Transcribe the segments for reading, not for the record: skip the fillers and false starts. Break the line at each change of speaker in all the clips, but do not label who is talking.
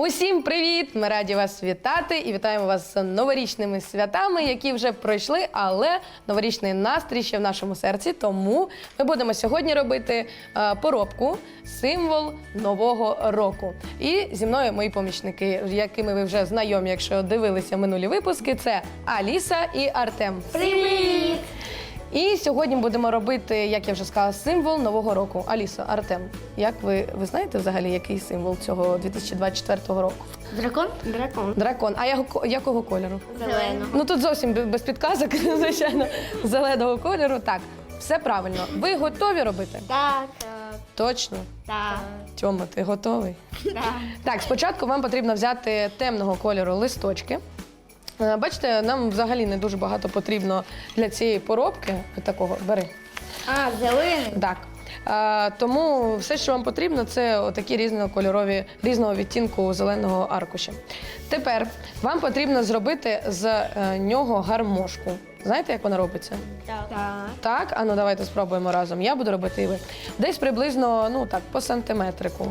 Усім привіт! Ми раді вас вітати і вітаємо вас з новорічними святами, які вже пройшли, але новорічний настрій ще в нашому серці. Тому ми будемо сьогодні робити поробку, символ Нового року. І зі мною мої помічники, якими ви вже знайомі, якщо дивилися минулі випуски, це Аліса і Артем.
Привіт!
І сьогодні будемо робити, як я вже сказала, символ Нового року. Аліса, Артем, як ви знаєте взагалі, який символ цього 2024 року?
Дракон? Дракон.
Дракон. А якого кольору?
Зелено.
Ну тут зовсім без підказок, звичайно, зеленого кольору. Так, все правильно. Ви готові робити?
Так.
Точно?
Так.
Тьома, ти готовий?
Так.
Так, спочатку вам потрібно взяти темного кольору листочки. Бачите, нам взагалі не дуже багато потрібно для цієї поробки. Такого, бери.
А, зелений?
Так. Тому все, що вам потрібно, це отакі різнокольорові, різного відтінку зеленого аркуша. Тепер вам потрібно зробити з нього гармошку. Знаєте, як вона робиться?
Так.
Так? А ну давайте спробуємо разом. Я буду робити і ви. Десь приблизно, ну так, по сантиметрику.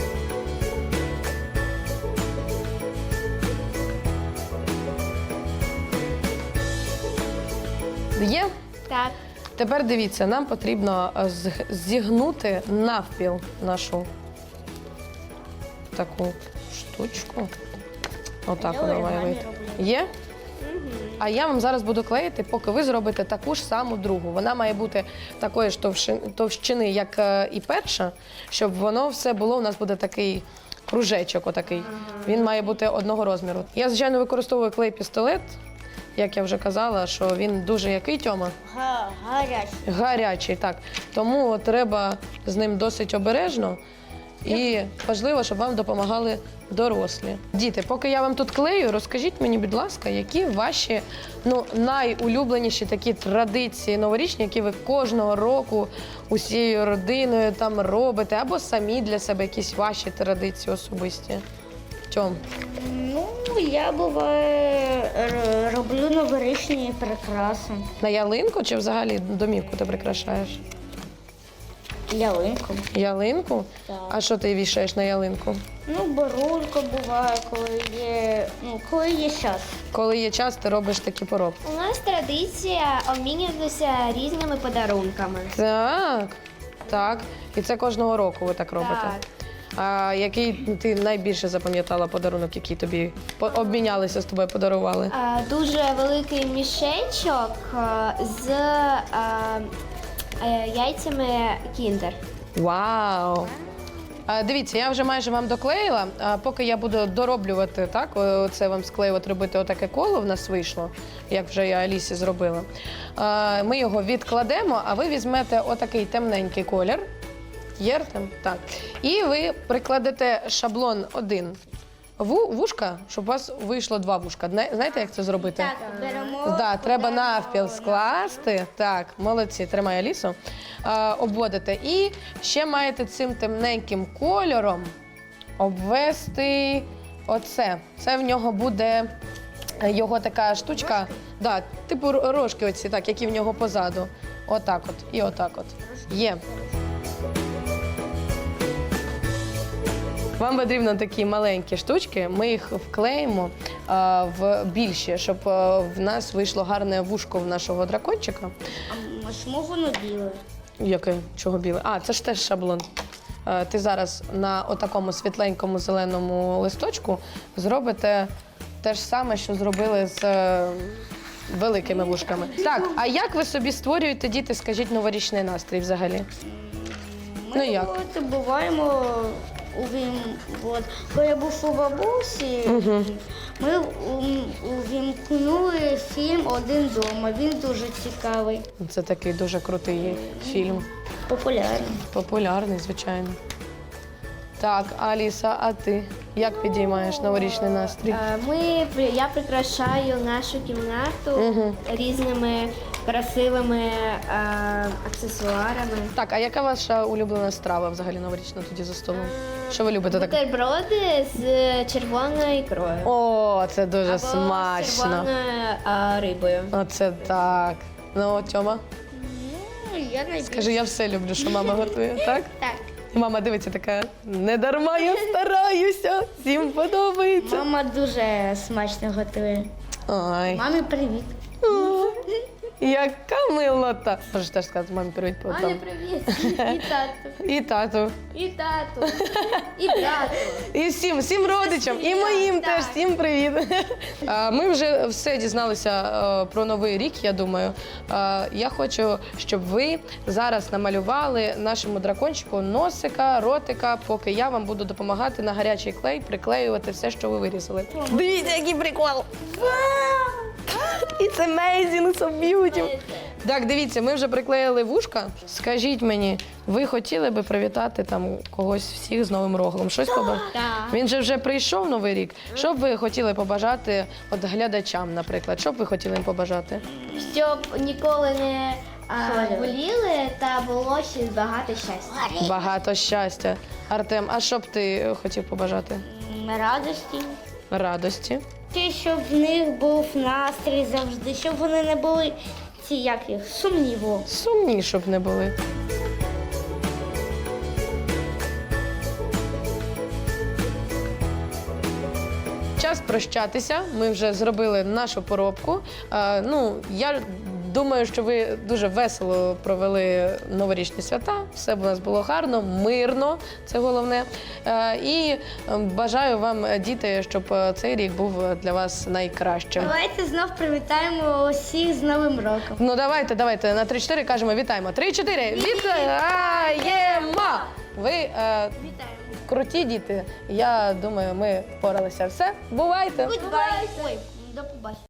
Є?
Так.
Тепер дивіться, нам потрібно зігнути навпіл нашу таку штучку. Отак вона має вийти. Є? А я вам зараз буду клеїти, поки ви зробите таку ж саму другу. Вона має бути такої ж товщини, як і перша, щоб воно все було, у нас буде такий кружечок отакий. Він має бути одного розміру. Я, звичайно, використовую клей-пістолет. Як я вже казала, що він дуже який, Тьома?
Гарячий.
Гарячий, так. Тому треба з ним досить обережно. І важливо, щоб вам допомагали дорослі. Діти, поки я вам тут клею, розкажіть мені, будь ласка, які ваші найулюбленіші такі традиції новорічні, які ви кожного року усією родиною там робите, або самі для себе якісь ваші традиції особисті. Тьом?
Ну, я буває роблю новорічні прикраси.
На ялинку чи взагалі домівку ти прикрашаєш?
Ялинку.
Ялинку?
Так.
А що ти вішаєш на ялинку?
Ну, барулька буває, коли є час.
Коли є час, ти робиш такі поробки.
У нас традиція обмінюватися різними подарунками.
Так, так. І це кожного року ви так робите.
Так.
А який ти найбільше запам'ятала подарунок, який тобі обмінялися з тобою, подарували?
Дуже великий мішечок з яйцями кіндер.
Вау! Дивіться, я вже майже вам доклеїла. Поки я буду дороблювати, так, оце вам склеювати, робити отаке коло в нас вийшло, як вже я Алісі зробила. Ми його відкладемо, а ви візьмете отакий темненький колір. Є, Артем? Так. І ви прикладете шаблон один вушка, щоб у вас вийшло два вушка. Знаєте, як це зробити?
Так, беремо.
Да, треба навпіл скласти. Так, молодці, тримай Алісу. Обводите. І ще маєте цим темненьким кольором обвести оце. Це в нього буде його така штучка. Да, типу рожки оці, так, які в нього позаду. Отак от і отак от. Є. Вам потрібно такі маленькі штучки, ми їх вклеїмо в більші, щоб в нас вийшло гарне вушко в нашого дракончика.
А чому воно біле?
Яке? Чого біле? А, це ж теж шаблон. Ти зараз на отакому світленькому зеленому листочку зробите те ж саме, що зробили з великими вушками. Так, а як ви собі створюєте, діти, скажіть, новорічний настрій взагалі? Ну як?
Ми буваємо, коли я був у бабусі, ми увімкнули фільм «Один дома». Він дуже цікавий.
Це такий дуже крутий фільм.
Популярний.
Популярний, звичайно. Так, Аліса, а ти як підіймаєш новорічний настрій?
Я прикрашаю нашу кімнату різними красивими аксесуарами.
Так, а яка ваша улюблена страва взагалі новорічна тоді за столом? Що ви любите так?
Бутерброди з червоною ікрою.
О, це дуже
Або
смачно.
з червоною рибою.
Оце так. Ну, Тьома,
Ну, я найбільше.
скажи, я все люблю, що мама готує, так?
Так.
І мама дивиться така, не дарма я стараюся, всім подобається.
Мама дуже смачно готує.
Ой,
Мамі привіт.
яка милота. Можеш теж сказати мамі привіт по
Мамі привіт. І тату.
І тату.
І тату. І брату.
І всім родичам, і моїм теж, всім привіт. Ми вже все дізналися про Новий рік, я думаю. Я хочу, щоб ви зараз намалювали нашому дракончику носика, ротика, поки я вам буду допомагати на гарячий клей приклеювати все, що ви вирізали. Дивіться, який прикол! It's amazing, so beautiful. Так, дивіться, ми вже приклеїли вушка. Скажіть мені, ви хотіли би привітати там когось всіх з Новим роком? Щось побажати?
Так.
Він же вже прийшов Новий рік. Що б ви хотіли побажати от глядачам, наприклад? Що б ви хотіли їм побажати?
Щоб ніколи не
Хворіли.
боліли та було ще багато щастя.
Багато щастя. Артем, а що б ти хотів побажати?
Радості.
Радості.
Ті, щоб в них був настрій завжди, щоб вони не були ці як їх, сумніву.
Сумні, щоб не були. Час прощатися. Ми вже зробили нашу поробку. Я думаю, що ви дуже весело провели новорічні свята. Все у нас було гарно, мирно, це головне. І бажаю вам, діти, щоб цей рік був для вас найкращим.
Давайте знов привітаємо усіх з Новим роком.
Ну давайте на 3-4 кажемо вітаємо. 3-4! Вітаємо! Ви круті діти. Я думаю, ми впоралися. Все, бувайте!
Ой, до побачення.